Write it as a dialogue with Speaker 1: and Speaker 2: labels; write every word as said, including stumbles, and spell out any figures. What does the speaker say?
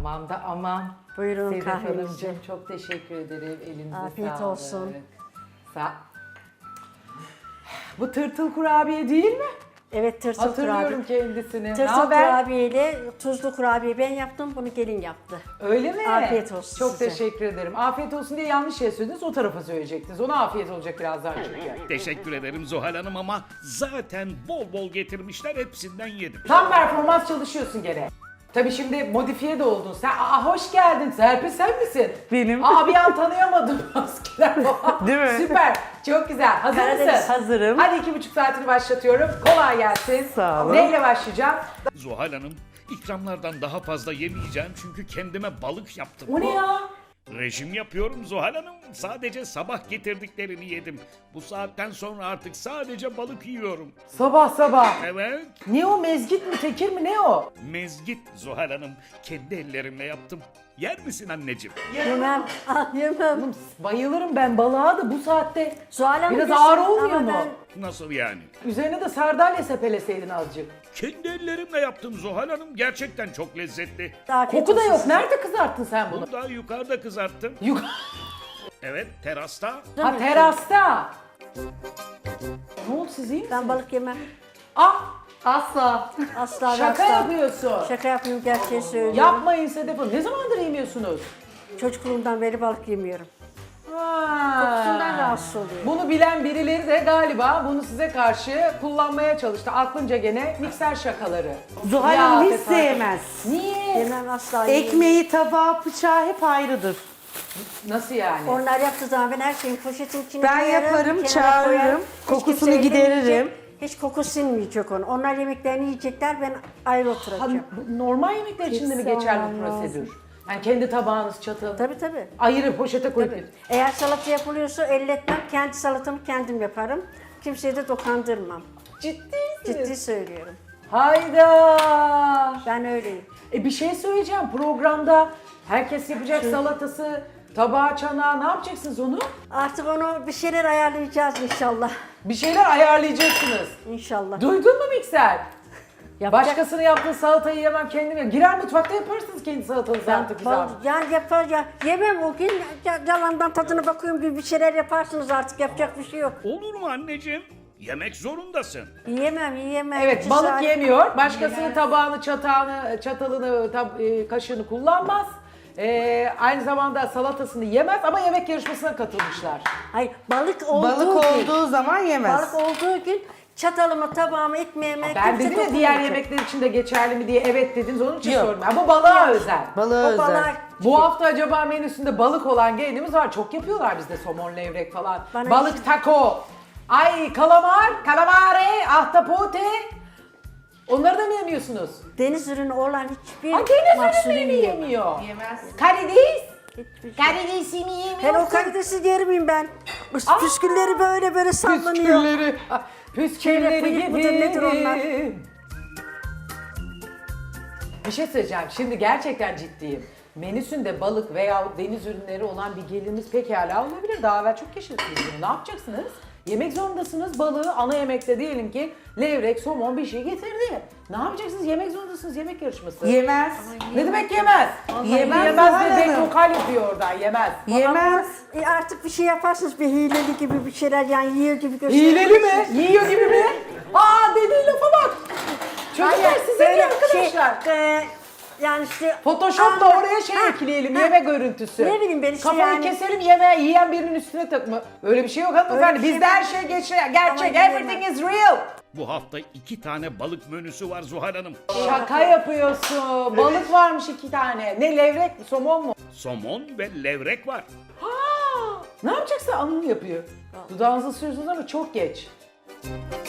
Speaker 1: Aman da aman.
Speaker 2: Buyurun
Speaker 1: Sedef
Speaker 2: kahvenizi.
Speaker 1: Hanımcığım çok teşekkür ederim. Elinize
Speaker 2: Afiyet
Speaker 1: sağlık.
Speaker 2: olsun.
Speaker 1: Sa Bu tırtıl kurabiye değil mi?
Speaker 2: Evet, tırtıl
Speaker 1: Hatırlıyorum
Speaker 2: kurabiye.
Speaker 1: kendisini.
Speaker 2: Tırtıl
Speaker 1: Naber?
Speaker 2: kurabiye ile tuzlu kurabiye ben yaptım, bunu gelin yaptı.
Speaker 1: Öyle mi?
Speaker 2: Afiyet olsun
Speaker 1: Çok
Speaker 2: size.
Speaker 1: teşekkür ederim. Afiyet olsun diye yanlış şey söylediniz. O tarafa söyleyecektiniz. Ona afiyet olacak birazdan çünkü.
Speaker 3: Teşekkür ederim Zuhal Hanım ama zaten bol bol getirmişler, hepsinden yedim.
Speaker 1: Tam performans çalışıyorsun gene. Tabii şimdi modifiye de oldun sen. Aa hoş geldin. Serpil sen misin?
Speaker 4: Benim.
Speaker 1: Aa bir an tanıyamadım maskeler falan.
Speaker 4: Değil mi?
Speaker 1: Süper. Çok güzel. Hazır
Speaker 2: Karadeniz,
Speaker 1: mısın?
Speaker 4: hazırım.
Speaker 1: Hadi iki buçuk saatini başlatıyorum. Kolay gelsin.
Speaker 4: Sağ olun.
Speaker 1: Neyle başlayacağım?
Speaker 3: Zuhal Hanım, ikramlardan daha fazla yemeyeceğim çünkü kendime balık yaptım.
Speaker 1: O ne ya?
Speaker 3: Rejim yapıyorum Zuhal Hanım. Sadece sabah getirdiklerini yedim. Bu saatten sonra artık sadece balık yiyorum.
Speaker 1: Sabah sabah.
Speaker 3: Evet,
Speaker 1: Ne o, mezgit mi tekir mi ne o?
Speaker 3: mezgit Zuhal Hanım. Kendi ellerimle yaptım. Yer misin anneciğim?
Speaker 2: Yemem, ah yemem.
Speaker 1: Bayılırım ben balığa da bu saatte.
Speaker 2: Zuhal Hanım
Speaker 1: Biraz
Speaker 2: bilsin
Speaker 1: ağır olmuyor
Speaker 2: ama
Speaker 1: mu?
Speaker 2: ben-
Speaker 3: Nasıl yani?
Speaker 1: Üzerine de sardalya sepeleseydin azıcık.
Speaker 3: Kendi ellerimle yaptım Zuhal Hanım. Gerçekten çok lezzetli.
Speaker 2: Afiyet
Speaker 1: Koku da
Speaker 2: olsun
Speaker 1: yok.
Speaker 2: size.
Speaker 1: Nerede kızarttın sen bunu?
Speaker 3: Bunu da yukarıda kızarttım.
Speaker 1: Yuk
Speaker 3: Evet, terasta.
Speaker 1: ha terasta. Ne oldu, siz iyi misiniz?
Speaker 2: Ben balık yemem.
Speaker 1: Ah asla.
Speaker 2: Asla ve
Speaker 1: Şaka
Speaker 2: asla.
Speaker 1: yapıyorsun.
Speaker 2: Şaka yapıyorum, gerçeği söylüyorum.
Speaker 1: Yapmayın Sedef Hanım. Ne zamandır yemiyorsunuz?
Speaker 2: Çocukluğumdan beri balık yemiyorum.
Speaker 1: Ha.
Speaker 2: Kokusundan rahatsız oluyorum.
Speaker 1: Bunu bilen birileri de galiba bunu size karşı kullanmaya çalıştı. Aklınca gene mikser şakaları.
Speaker 4: Zuhal
Speaker 1: Ya
Speaker 4: Hanım hiç
Speaker 1: tesadüf.
Speaker 4: sevmez.
Speaker 1: Niye?
Speaker 2: Yemem, asla yemem.
Speaker 4: Ekmeği, tabağı, bıçağı hep ayrıdır.
Speaker 1: Nasıl yani?
Speaker 2: Onlar yaptığı zaman ben her şeyin poşetin içine
Speaker 4: Ben
Speaker 2: koyarım,
Speaker 4: yaparım,
Speaker 2: kenara
Speaker 4: çağırırım,
Speaker 2: koyarım. Hiç
Speaker 4: kokusunu
Speaker 2: kimse
Speaker 4: gideririm.
Speaker 2: ellemeyecek, hiç koku sinmeyecek onu. Onlar yemeklerini yiyecekler, ben ayrı
Speaker 1: Ha,
Speaker 2: oturacağım.
Speaker 1: bu normal yemekler için de mi
Speaker 2: Hiç
Speaker 1: geçerli
Speaker 2: sevmem
Speaker 1: bu prosedür? Yani kendi tabağınız, çatı,
Speaker 2: Tabii tabii.
Speaker 1: ayırıp poşete koyup.
Speaker 2: Tabii. Eğer salata yapılıyorsa elletmem, kendi salatamı kendim yaparım. Kimseye de dokandırmam.
Speaker 1: Ciddi misiniz?
Speaker 2: Ciddi söylüyorum.
Speaker 1: Hayda!
Speaker 2: Ben öyleyim.
Speaker 1: E bir şey söyleyeceğim. Programda herkes yapacak salatası, tabağı, çanağı. Ne yapacaksınız onu?
Speaker 2: Artık onu bir şeyler ayarlayacağız inşallah.
Speaker 1: Bir şeyler ayarlayacaksınız.
Speaker 2: İnşallah.
Speaker 1: Duydun mu mikser?
Speaker 2: Yapacak-
Speaker 1: Başkasının yaptığı salatayı yemem, kendim yemem. Girer mutfakta yaparsınız kendi salatanızı artık güzel.
Speaker 2: Bal- Yani yapar ya. Yemem o gün. Ya- Yalandan tadına bakıyorum gibi bir şeyler yaparsınız artık. Yapacak bir şey yok.
Speaker 3: Olur mu anneciğim? Yemek zorundasın.
Speaker 2: Yiyemem, yiyemem.
Speaker 1: Evet,
Speaker 2: İki
Speaker 1: balık
Speaker 2: saat-
Speaker 1: yemiyor. Başkasının tabağını, çatağını, çatalını, tab- e, kaşığını kullanmaz. E, aynı zamanda salatasını yemez ama yemek yarışmasına katılmışlar.
Speaker 2: Hayır, balık olduğu
Speaker 4: Balık
Speaker 2: gün.
Speaker 4: olduğu zaman yemez.
Speaker 2: Balık olduğu gün çatalımı, tabağımı, ekmeğime
Speaker 1: Ben
Speaker 2: kimse
Speaker 1: dedim ya diğer
Speaker 2: dokunmayacak.
Speaker 1: yemekler için de geçerli mi diye evet dediniz, onun için
Speaker 4: Yok.
Speaker 1: sordum. Yani bu balığa özel.
Speaker 4: Balığı
Speaker 2: O
Speaker 4: özel.
Speaker 2: balığa
Speaker 1: Bu hafta acaba menüsünde balık olan gelinimiz var. Çok yapıyorlar bizde somon, levrek falan.
Speaker 2: Bana
Speaker 1: balık
Speaker 2: hiç-
Speaker 1: taco. Ay kalamar, kalamare, ahtapote. Onları da mı yemiyorsunuz?
Speaker 2: deniz ürünü olan hiçbir
Speaker 1: Ha, deniz
Speaker 2: mahsulü
Speaker 1: ürünleri mi
Speaker 2: yiyemem.
Speaker 1: yemiyor? Yemez. Karides?
Speaker 2: Hiçbir şey.
Speaker 1: Karidesi mi yemiyorsun?
Speaker 2: Hele o karidesi yer miyim ben?
Speaker 1: Aa!
Speaker 2: Püskülleri böyle böyle sallanıyor.
Speaker 1: Püskülleri. ah, Püskülleri
Speaker 2: Şöyle bıyık mıdır, nedir onlar?
Speaker 1: gibi. Bir şey söyleyeceğim. Şimdi gerçekten ciddiyim. Menüsünde balık veya deniz ürünleri olan bir gelinimiz pekala olabilir. Daha evvel çok yaşadınız bunu. Ne yapacaksınız? Yemek zorundasınız balığı. Ana yemekte diyelim ki levrek, somon bir şey getirdi. Ne yapacaksınız? Yemek zorundasınız. Yemek yarışması.
Speaker 4: Yemez.
Speaker 1: Ne demek yemez?
Speaker 4: Yemez
Speaker 1: Yemez
Speaker 4: Zuhal
Speaker 1: de
Speaker 4: Hanım.
Speaker 1: vokal yapıyor oradan. Yemez.
Speaker 4: Yemez.
Speaker 2: E artık bir şey yaparsınız, bir hileli gibi bir şeyler, yani yiyor gibi gösteriyor.
Speaker 1: Hileli mi? Yiyor gibi mi? Aa dediği lafa bak. Çocuklar
Speaker 2: Hayır,
Speaker 1: size
Speaker 2: böyle
Speaker 1: iyi arkadaşlar.
Speaker 2: Şey, e, yani işte...
Speaker 1: Photoshop'la
Speaker 2: Aa,
Speaker 1: oraya şey
Speaker 2: ha,
Speaker 1: ekleyelim,
Speaker 2: ha.
Speaker 1: yeme görüntüsü.
Speaker 2: Ne bileyim ben işte
Speaker 1: Kafayı
Speaker 2: yani-
Speaker 1: keselim, yemeği yiyen birinin üstüne takma. Öyle bir şey yok hanımefendi.
Speaker 2: Öyle bir şey
Speaker 1: Bizde her
Speaker 2: yok.
Speaker 1: şey geçer, gerçek.
Speaker 2: Ama
Speaker 1: Everything is real.
Speaker 3: Bu hafta iki tane balık menüsü var Zuhal Hanım.
Speaker 1: Şaka yapıyorsun. Balık varmış iki tane. Ne levrek, somon mu?
Speaker 3: Somon ve levrek var.
Speaker 1: Ha! Ne yapacaksın? Anını yapıyor. Dudağınızı sürüyorsunuz ama çok geç.